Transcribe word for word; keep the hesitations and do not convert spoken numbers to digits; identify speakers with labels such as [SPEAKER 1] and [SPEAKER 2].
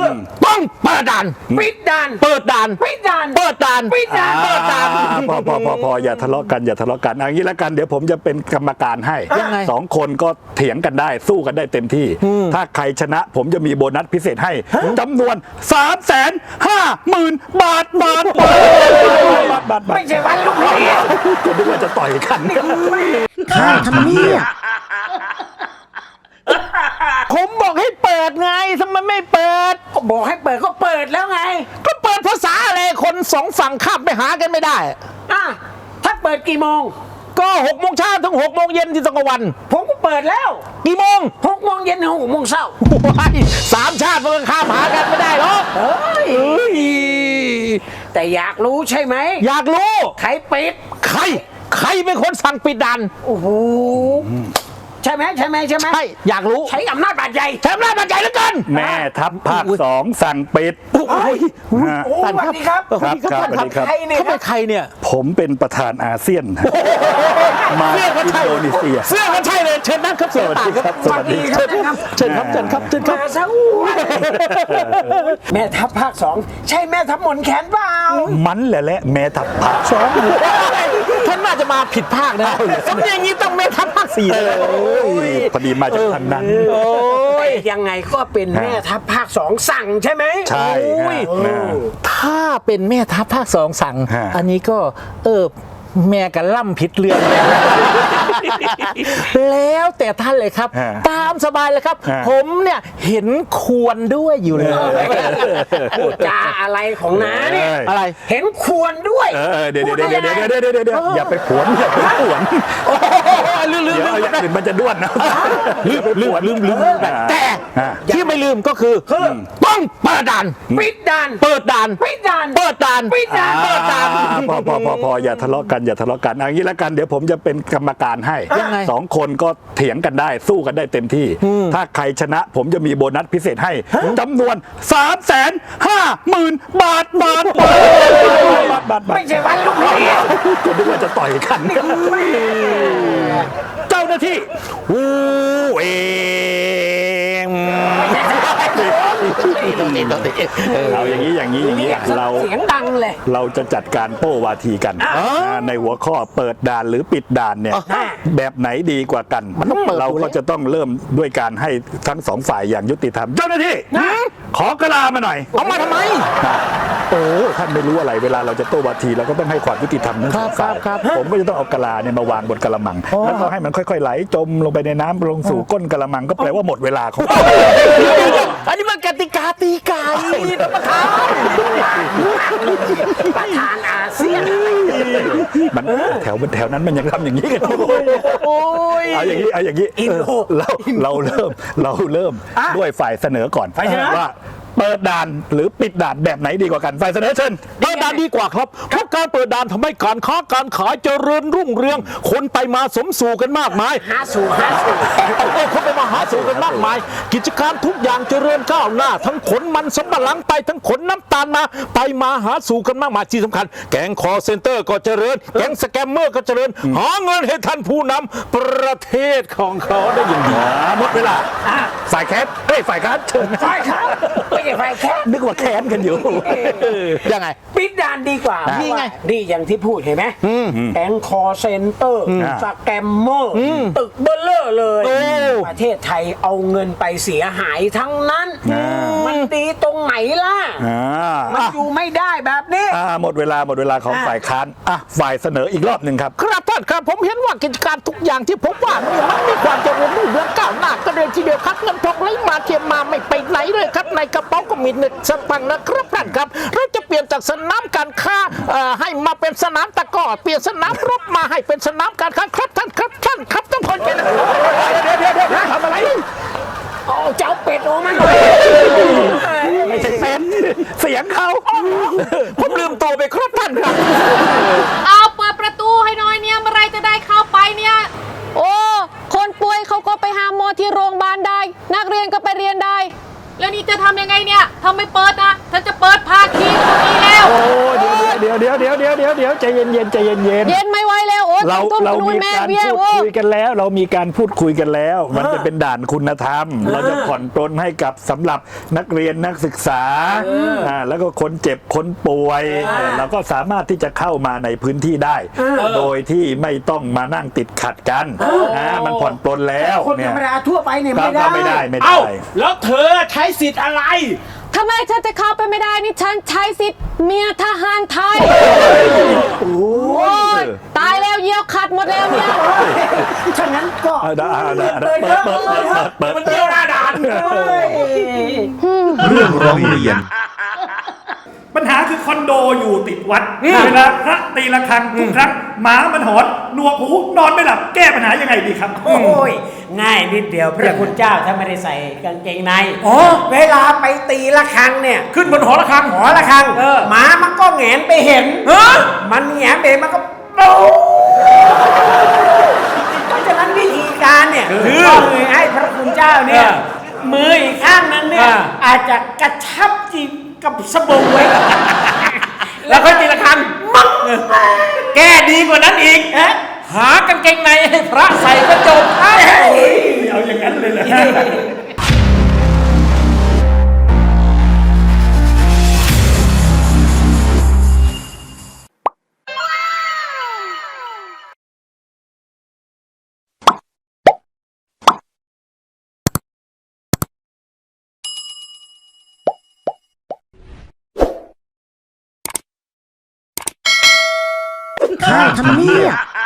[SPEAKER 1] ต้องเปิดด่านปิดด่านเปิดด่านปิดด่านเปิดด่านปิดด่านเปิดด่าน
[SPEAKER 2] พอพอพอพออย่าทะเลาะกันอย่าทะเลาะกันเอางี้แล้วกันเดี๋ยวผมจะเป็นกรรมการให้สองคนก็เถียงกันได้สู้กันได้เต็มที่ถ้าใครชนะผมจะมีโบนัสพิเศษให้จำนวนสามแสนห้าหมื่นบาทบาทบาทบาทบาท
[SPEAKER 1] ไม่ใช่วันลูกพี่
[SPEAKER 2] ก็นึกว่าจะต่อยกัน
[SPEAKER 1] ข้าทำเนี่ยผมบอกให้เปิดไงทำไมไม่เปิดก็บอกให้เปิดก็เปิดแล้วไงก็เปิดภาษาอะไรคนสองฝั่งข้ามไปหากันไม่ได้อ่ะถ้าเปิดกี่โมงก็หกโมงเช้าถึงหกโมงเย็นที่ตะวันผมก็เปิดแล้วกี่โมงหกโมงเย็นถึงหกโมงเช้าสามชาติมันข้ามหากันไม่ได้หรอกเฮ้ยแต่อยากรู้ใช่ไหมอยากรู้ใครปิดใครใครเป็นคนสั่งปิดด่านโอ้โหใช่ไหมใช่ไหมใช่ไหมใช่อยากรู้ใช้อำนาจบาดใหญ่ใช้อำนาจบาดใหญ่เหลือเกิน
[SPEAKER 2] แม่ทัพภาคสองสั่งปิด
[SPEAKER 1] โอ้ยสวัสดีครับ
[SPEAKER 2] สวัสดีครับสวัสดีครับ
[SPEAKER 1] ใครเนี่ยเขาเป็นใครเนี่ย
[SPEAKER 2] ผมเป็นประธานอาเซียนมาอินโดนีเซีย
[SPEAKER 1] เสื้อก็ใช่เลยเชิญนั่งครับ
[SPEAKER 2] สวัสดีครับสวัสดี
[SPEAKER 1] ครับเชิญครับเชิญครับเชิญครับมาซะแม่ทัพภาคสองใช่แม่ทัพหมนแขนเปล่า
[SPEAKER 2] มันแหละแหละแม่ทัพภาคสอง
[SPEAKER 1] ท่านน่าจะมาผิดภาคนะสำเนียงนี้ต้องแม่ทัพภาคสี่
[SPEAKER 2] พอดีมาจากทางนั้น
[SPEAKER 1] โอ้ยยังไงก็เป็นแม่ทัพภาคสองสั่งใช่ไหม
[SPEAKER 2] ใช่
[SPEAKER 1] ถ้าเป็นแม่ทัพภาคสองสั่งอันนี้ก็เออแม่กันล่ำผิดเรื่องแล้วแต่ท่านเลยครับตามสบายเลยครับผมเนี่ยเห็นควรด้วยอยู่เลยพูดจาอะไรของน้าเนี่ยอะไรเห็นควรด้วย
[SPEAKER 2] เดี๋ยวเดี๋ยวเดี๋ยวเดี๋ยวเดี๋ยวเดี๋ยวเดี๋ยวอย่าไปขวนอย่าไปขวน
[SPEAKER 1] ลืมลืมลืม
[SPEAKER 2] อย่างอื่นมันจะด้วนนะ
[SPEAKER 1] ลืมลืมลืมลืมแต่ที่ไม่ลืมก็คือต้องเปิดด่านปิดด่านเปิดด่านปิดด่านเปิดด่านปิดด่านเปิดด่าน
[SPEAKER 2] พอพอพอพออย่าทะเลาะกันอย่าทะเลาะกันเอางี้แล้วกันเดี๋ยวผมจะเป็นกรรมการให้สองคนก็เถียงกันได้สู้กันได้เต็มที่ถ้าใครชนะผมจะมีโบนัสพิเศษให้จำนวนสามแสนห้าหมื่นบาทบาทบาทบาท
[SPEAKER 1] ไม่ใช่วันลูกพี่
[SPEAKER 2] ก็นึกว่าจะต่อยกันเจ้าหน้าที่วูเองเราอย่างนี้อย่างนี้อย่างนี้เรา
[SPEAKER 1] เสียงดังเลย
[SPEAKER 2] เราจะจัดการโต้วาทีกันในหัวข้อเปิดด่านหรือปิดด่านเนี่ยแบบไหนดีกว่ากันเราก็จะต้องเริ่มด้วยการให้ทั้งสองฝ่ายอย่างยุติธรรมเจ้าหน้าที่ขอกระลามาหน่อย
[SPEAKER 1] เอามาทำไม
[SPEAKER 2] โอ้ท่านไม่รู้อะไรเวลาเราจะโต้วาทีเราก็ต้องให้ความยุติธรรมทั้งสองฝ่ายผมก็จะต้องเอากะลาเนี่ยมาวางบนกะละมังแล้วก็ให้มันค่อยๆไหลจมลงไปในน้ำลงสู่ก้นกะละมังก็แปลว่าหมดเวลาของ
[SPEAKER 1] อันนี้มันกติกาตีไก่ประธานประธานอาเซียน
[SPEAKER 2] มันแถวแถวนั้นมันยังทำอย่างนี้กันเอาอย่างนี้เอาอย่างนี้เราเราเริ่มเราเริ่มด้วยฝ่ายเสนอก่อนว่าเปิดด่านหรือปิดด่านแบบไหนดีกว่ากันฝ่ายเสนอเชิญ
[SPEAKER 1] เปิดด่านดีกว่าครับเพราะการเปิดด่านทำให้การค้าการขายเจริญรุ่งเรืองคนไปมาสมสู่กันมากมายหาสู่หาสู่คนไปมาหาสู่กันมากมายกิจการทุกอย่างเจริญก้าวหน้าทั้งขนมันสำปะหลังไปทั้งขนน้ำตาลมาไปมาหาสู่กันมากมายที่สำคัญแก๊งคอเซ็นเตอร์ก็เจริญแก๊งสแกมเมอร์ก็เจริญหาเงินให้ท่านผู้นำประเทศของเขาได้อย่างดี
[SPEAKER 2] หมดเวลาฝ่ายแคสเฮ้ยฝ่ายค้านเชิญ
[SPEAKER 1] ฝ่ายค้านไม่ใช่ฝ่ายแคส
[SPEAKER 2] นึกว่าแค้นกันอยู่
[SPEAKER 1] ยังไงปิดด่านดีกว่านี่ไงดีอย่างที่พูดเห็นไหมแก๊งคอเซ็นเตอร์สแกมเมอร์ตึกเบลเลอร์เลยประเทศไทยเอาเงินไปเสียหายทั้งนั้นมันดีตรงไหนล่ะมันอยู่ไม่ได้แบบนี้
[SPEAKER 2] หมดเวลาหมดเวลาของฝ่ายค้านอ่ะฝ่ายเสนออีกรอบหนึ่งครับ
[SPEAKER 1] ครับท่านครับผมเห็นว่ากิจการทุกอย่างที่ผมว่ามันมีความเจริญรุ่งเรืองก้าวหน้าก็เลยทีเดียวครับเงินทองไหลมาเทียมมาไม่ไปไหนเลยครับในกระเป๋าก็มีเงินสตังค์นะครับท่านครับเราจะเปลี่ยนจากสนามการค้าให้มาเป็นสนามตะกร้อเปลี่ยนสนามรบมาให้เป็นสนามการค้าครับท่านครับท่านครับต้องคนเป็นเดี๋ยวเดี๋ยวเดี๋ยวทำอะไรเอาเจ้าเป็ดออกมา
[SPEAKER 2] ไม่ใช่เป็ดเสียงเขา
[SPEAKER 1] ผมลืมตัวไปครับท่านครับ
[SPEAKER 3] เอาเปิดประตูให้หน่อยเนี่ยเมื่อไรจะได้เข้าไปเนี่ยโอ้คนป่วยเขาก็ไปหาหมอที่โรงพยาบาลได้นักเรียนก็ไปเรียนได้แล้วนี่จะทำยังไงเนี่ยทำไม่เปิดนะฉันจะเปิดภาคีตรงนี้แล้ว
[SPEAKER 2] โอ้เดี๋ยวเดี๋ยวเดี๋ยวเดี๋ยวเดี๋ยวเดี๋ยวใจเย็นเย็นใจเย็นเย็น
[SPEAKER 3] เย็นไม่ไหวแล้วโอ้
[SPEAKER 2] เรา
[SPEAKER 3] ตุ้ม
[SPEAKER 2] เรา
[SPEAKER 3] ตุ้ม
[SPEAKER 2] มี
[SPEAKER 3] แม่
[SPEAKER 2] การ
[SPEAKER 3] เบี้ย
[SPEAKER 2] พูด
[SPEAKER 3] โอ้
[SPEAKER 2] คุยกันแล้ว เรามีการพูดคุยกันแล้ว มันจะเป็นด่านคุณธรรม เราจะผ่อนปลนให้กับสำหรับนักเรียนนักศึกษาอ่าแล้วก็คนเจ็บคนป่วยเราก็สามารถที่จะเข้ามาในพื้นที่ได้ โดยที่ไม่ต้องมานั่งติดขัดกันนะมันผ่อนปลนแล้ว
[SPEAKER 4] คนธ
[SPEAKER 2] เนี่
[SPEAKER 4] ร
[SPEAKER 2] ย
[SPEAKER 4] รมดาทั่วไปเนี่ย
[SPEAKER 2] ก็
[SPEAKER 4] ไม่ได้
[SPEAKER 2] ก็ไม่ได้ไม่
[SPEAKER 1] เอ้า
[SPEAKER 2] ได้
[SPEAKER 1] แล้วเธอใช้สิทธิ์อะไร
[SPEAKER 3] ทำไมฉันจะเข้าไปไม่ได้นี่ฉันใช้สิทธิ์เมียทหารไทย โอ้ยตายแล้วเยี่ยวขัดหมดแล้วเนี่ย
[SPEAKER 4] ฉะนั้นก็
[SPEAKER 2] เอาได้เอาได้เอาได้
[SPEAKER 4] เปิด
[SPEAKER 2] เปิด
[SPEAKER 4] เปิด
[SPEAKER 2] เปิดเปิด
[SPEAKER 1] มันเที่ยวหน้าด่าน
[SPEAKER 5] เรื่องร้องเรียน
[SPEAKER 6] ปัญหาคือคอนโดอยู่ติดวัดเวลาพระตีระฆังทุกครั้งหมามันหอนหนวกหูนอนไม่หลับแก้ปัญหายังไงดีครับ
[SPEAKER 4] โอ้ยง่ายนิดเดียวพระคุณเจ้าถ้าไม่ได้ใส่กางเกงใน
[SPEAKER 6] อ๋อ
[SPEAKER 4] เวลาไปตีละครังเนี่ย
[SPEAKER 6] ขึ้นบนหอระฆัง
[SPEAKER 4] หอละครัง
[SPEAKER 6] เออ
[SPEAKER 4] หมามันก็แหงนไปเห็น
[SPEAKER 6] ฮะ
[SPEAKER 4] มันแหงนไปเห็นมันก็ปูเพราะฉะนั้นวิธีการเนี่ยคือให้พระคุณเจ้าเนี่ย มืออีกข้างนั้นเนี่ยอาจจะกระชับจีบกับสบงไว้
[SPEAKER 6] แล้วค่อยตีระฆังมังแก้ดีกว่านั้นอีก
[SPEAKER 4] เอ๊ะ
[SPEAKER 6] หากางเกงในให้พระใส่กระจกเอาอย่างนั้นเลยเหรอ
[SPEAKER 4] ข้าทำเนียบ